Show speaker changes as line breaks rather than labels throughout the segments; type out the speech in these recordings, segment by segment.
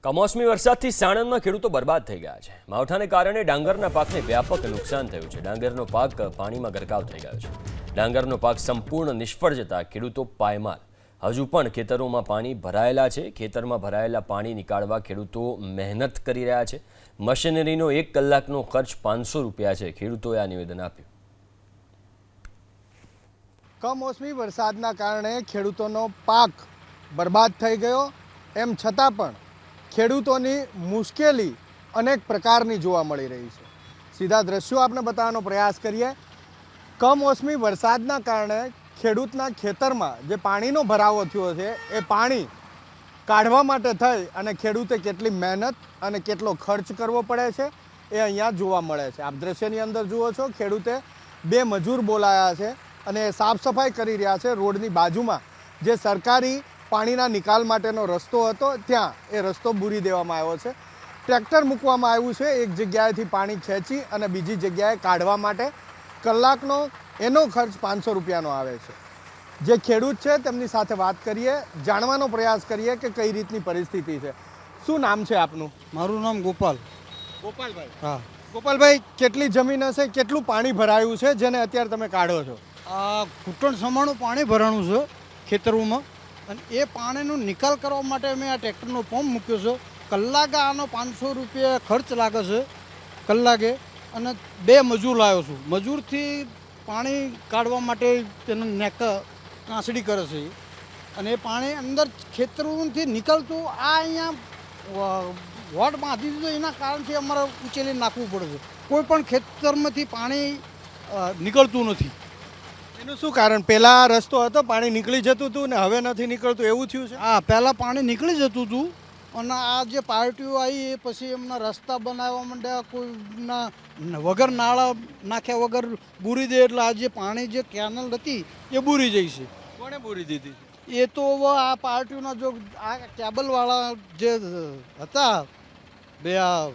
કમોસમી વરસાદથી સાણંદમાં ખેડૂતો બરબાદ થઈ ગયા છે। માવઠાને કારણે ડાંગરના પાકને વ્યાપક નુકસાન થયું છે। ડાંગરનો પાક પાણીમાં ગરકાવ થઈ ગયો છે। ડાંગરનો પાક સંપૂર્ણ નિષ્ફળ જતા ખેડૂતો પાયમાલ। હજુ પણ ખેતરોમાં પાણી ભરાયેલા છે। ખેતરમાં ભરાયેલા પાણી નીકાળવા ખેડૂતો મહેનત કરી રહ્યા છે। મશીનરીનો 1 કલાકનો ખર્ચ 500 રૂપિયા છે। ખેડૂતોએ આ નિવેદન આપ્યું।
કમોસમી વરસાદના કારણે ખેડૂતોનો પાક બરબાદ થઈ ગયો, એમ છતાં પણ ખેડૂતોની મુશ્કેલી અનેક પ્રકારની જોવા મળી રહી છે। સીધા દ્રશ્યો આપણે બતાવવાનો પ્રયાસ કરીએ। કમોસમી વરસાદના કારણે ખેડૂતના ખેતરમાં જે પાણીનો ભરાવો થયો છે એ પાણી કાઢવા માટે થઈ અને ખેડૂતે કેટલી મહેનત અને કેટલો ખર્ચ કરવો પડે છે એ અહીંયા જોવા મળે છે। આપ દ્રશ્યની અંદર જુઓ છો, ખેડૂતે 2 મજૂર બોલાયા છે અને સાફ સફાઈ કરી રહ્યા છે। રોડની બાજુમાં જે સરકારી પાણીના નિકાલ માટેનો રસ્તો હતો ત્યાં એ રસ્તો બૂરી દેવામાં આવ્યો છે। ટ્રેક્ટર મૂકવામાં આવ્યું છે એક જગ્યાએથી પાણી ખેંચી અને બીજી જગ્યાએ કાઢવા માટે। કલાકનો એનો ખર્ચ 500 રૂપિયાનો આવે છે। જે ખેડૂત છે તેમની સાથે વાત કરીએ, જાણવાનો પ્રયાસ કરીએ કે કઈ રીતની પરિસ્થિતિ છે। શું નામ છે આપનું?
મારું નામ ગોપાલ।
ગોપાલભાઈ।
હા,
ગોપાલભાઈ, કેટલી જમીન હશે, કેટલું પાણી ભરાયું છે જેને અત્યારે તમે કાઢો છો?
આ ઘૂંટણ સમાણું પાણી ભરાણું છે ખેતરોમાં, અને એ પાણીનો નિકાલ કરવા માટે મેં આ ટ્રેક્ટરનો પંપ મૂક્યો છે। કલાકે આનો 500 રૂપિયા ખર્ચ લાગે છે કલાકે, અને 2 મજૂર લાવ્યો છું। મજૂરથી પાણી કાઢવા માટે તેને કાંસડી કરે છે, અને એ પાણી અંદર ખેતરોથી નીકળતું આ અહીંયા વોટ બાંધી દીધો, એના કારણથી અમારે ઉચેલી નાખવું પડે છે। કોઈ પણ ખેતરમાંથી પાણી નીકળતું નથી।
એનું શું કારણ? પહેલા રસ્તો હતો, પાણી નીકળી જતું હતું ને હવે નથી નીકળતું, એવું થયું છે?
હા, પહેલાં પાણી નીકળી જતું હતું, અને આ જે પાર્ટીઓ આવી એ પછી એમના રસ્તા બનાવવા માંડ્યા, કોઈના વગર નાળા નાખ્યા વગર બૂરી દે, એટલે આ જે પાણી જે કેનલ હતી એ બૂરી જાય છે।
કોણે બૂરી દીધી?
એ તો હવે આ પાર્ટીઓના જો આ કેબલવાળા જે હતા બે આ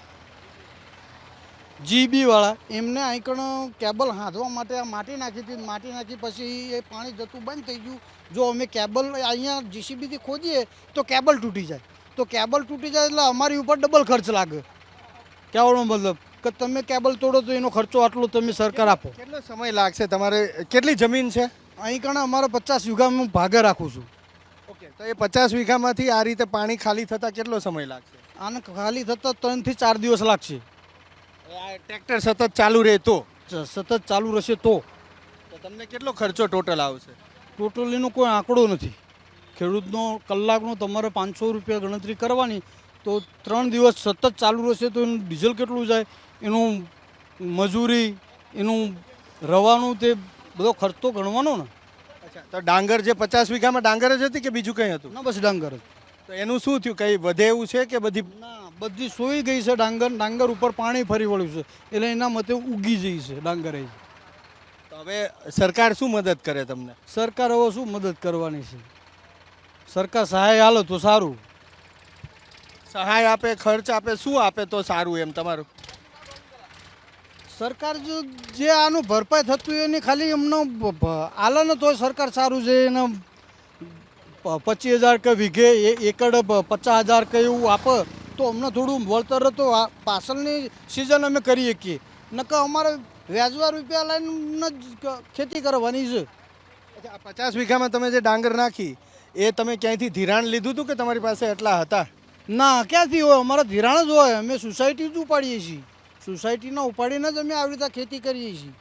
જીબીવાળા, એમને આઈકણ કેબલ હાંધવા માટે આ માટી નાખી હતી। માટી નાખી પછી એ પાણી જતું બંધ થઈ ગયું। જો અમે કેબલ અહીંયા જીસીબીથી ખોદીએ તો કેબલ તૂટી જાય, તો કેબલ તૂટી જાય એટલે અમારી ઉપર ડબલ ખર્ચ લાગે। કહેવાનો મતલબ કે તમે કેબલ તોડો તો એનો ખર્ચો આટલો તમે સરકાર આપો।
કેટલો સમય લાગશે? તમારે કેટલી જમીન છે?
અહીં કણે અમારે 50 વીઘામાં હું ભાગે રાખું છું।
ઓકે, તો એ 50 વીઘામાંથી આ રીતે પાણી ખાલી થતાં કેટલો સમય લાગશે?
આને ખાલી થતાં 3 થી 4 દિવસ લાગશે।
ટ્રેક્ટર સતત ચાલુ રહે તો?
સતત ચાલુ રહેશે તો
તમને કેટલો ખર્ચો ટોટલ આવશે?
ટોટલીનો કોઈ આંકડો નથી। ખેડૂતનો કલાકનો તમારે 500 રૂપિયા ગણતરી કરવાની, તો 3 દિવસ સતત ચાલુ રહેશે તો એનું ડીઝલ કેટલું જાય, એનું મજૂરી, એનું રવાનું, તે બધો ખર્ચ તો ગણવાનો ને।
અચ્છા, તો ડાંગર જે 50 વીઘામાં ડાંગર જ હતી કે બીજું કંઈ હતું?
ના, બસ ડાંગર જ।
તો એનું શું થયું? કંઈ વધે એવું છે કે બધી?
ના, બધી સોઈ ગઈ છે ડાંગર। ડાંગર ઉપર પાણી ફરી વળ્યું છે એટલે એના મતે ઉગી જઈ છે ડાંગર।
તો હવે સરકાર શું મદદ કરે તમને?
સરકાર હવે શું મદદ કરવાની છે? સરકાર સહાય હાલે તો સારું।
સહાય આપે, ખર્ચ આપે, શું આપે તો સારું એમ તમારું?
સરકાર જે આનું ભરપાઈ થતું એની ખાલી એમનો આલે ને તો સરકાર સારું છે। એને 25,000 કે વીઘે એકડ 50,000 કે એવું આપે તો અમને થોડું વળતર તો પાછળની સિઝન અમે કરી શકીએ, નકર અમારે વ્યાજવા રૂપિયા લઈને જ ખેતી કરવાની છે।
અચ્છા, આ 50 વીઘામાં તમે જે ડાંગર નાખી એ તમે ક્યાંયથી ધિરાણ લીધું હતું કે તમારી પાસે એટલા હતા?
ના, ક્યાંથી હોય? અમારા ધિરાણ જ હોય। અમે સોસાયટી જ ઉપાડીએ છીએ। સોસાયટીના ઉપાડીને જ અમે આવી રીતે ખેતી કરીએ છીએ।